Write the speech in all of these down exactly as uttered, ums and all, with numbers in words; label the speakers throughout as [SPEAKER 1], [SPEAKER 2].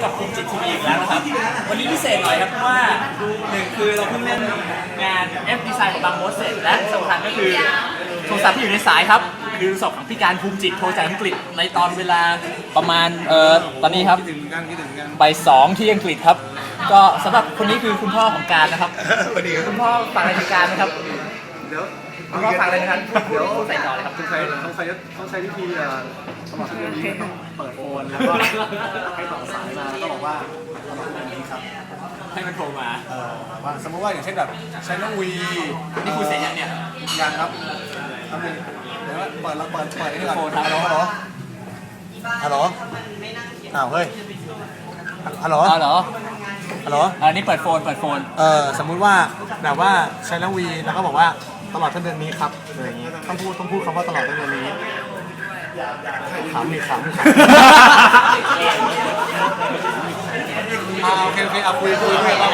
[SPEAKER 1] กับภูมิจิตทีวีอีกแล้วนะครับวันนี้พิเศษหน่อยครับเพราะว่าหนึ่งคือเราเพิ่งเล่นงาน F Design ของบางมดเสร็จและสำคัญก็คือโทรศัพท์ที่อยู่ในสายครับคือโทรศัพท์ของพี่การภูมิจิตโทรจากอังกฤษในตอนเวลาประมาณเอ่อตอนนี้ครับบ่ายสองที่อังกฤษครับก็สำหรับคนนี้คือคุณพ่อของการนะครับ
[SPEAKER 2] สวัสดีครับ
[SPEAKER 1] คุณพ่อฝากรายการนะครับ
[SPEAKER 2] เดี๋ยว
[SPEAKER 1] คุณพ่อฝากอะไรนะครับเดี๋ยวใส่ต่อเลยครับ
[SPEAKER 2] ต้องใช้ต้องใช้ต้องใช้วิธีสมัครเงินนี้ต้องเปิดโฟนแล้วก็ให้ต่อสายมาแล้วก็บอกว่าสมัครเงินนี้ครับ
[SPEAKER 1] ให้มันโทรมา
[SPEAKER 2] เออว่าสมมติว่าอย่างเช่นแบบใช้น้องวี
[SPEAKER 1] นี่คุณเสร็จยังเนี่ย
[SPEAKER 2] ยังครับทำเลยเดี๋ยวเปิดเราเปิดเปิดนี่ก่อนฮัลโหลฮัลโหลฮัลโหลอ้าวเฮ้ยฮัลโหล
[SPEAKER 1] ฮัลโหล
[SPEAKER 2] ฮัลโหล
[SPEAKER 1] อันนี้เปิดโฟนเปิดโฟน
[SPEAKER 2] เออสมมุติว่าแบบว่าใช้น้องวีแล้วก็บอกว่าตลอดทั้งเดือนนี้ครับอะไรอย่างงี้ต้องพูดต้องพูดคำว่าตลอดทั้งเดือนนี้ขำมีขำอ่าโอเคโอเคเอาคุยคุยคุยบ้าง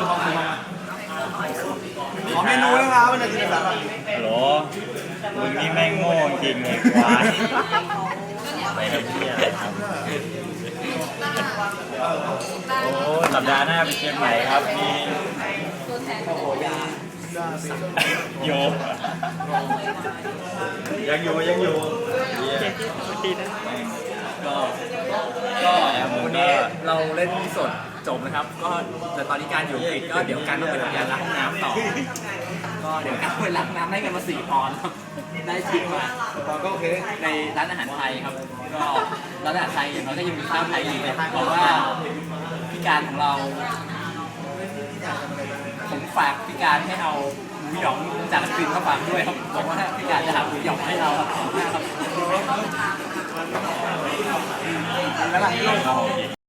[SPEAKER 2] ขอเมนูนะครับวันนี้ครับ
[SPEAKER 3] ฮัลโหลมึงนี่แม่งโง่จริงเลยควายไปทำเพี้ยครับโอ้สัปดาห์หน้าไปเชียงใหม่ครับมีโยยังอยู่ยังอยู่
[SPEAKER 1] ก็ก็วันนี้เราเล่นสดจบนะครับก็แต่ตอนนี้การอยู่อังกฤษก็เดี๋ยวการต้องไปทำงานล้างห้องน้ำต่อก็เดี๋ยวการไปล้างน้ำได้กันมาสี่ปอนด์ครับได้ชิมมา
[SPEAKER 2] ปอนด์ก็โอเค
[SPEAKER 1] ในร้านอาหารไทยครับก็ร้านอาหารไทยอย่างน้อยก็ยังมีข้าวไทยอยู่เลยเพราะว่าพี่การของเราผมฝากพี่การให้เอาหมูหยองจากอังกฤษมาฝากด้วยครับบอกว่าพี่การจะหาหมูหยองให้เราครับขอบคุณมากครับแล้วหลัง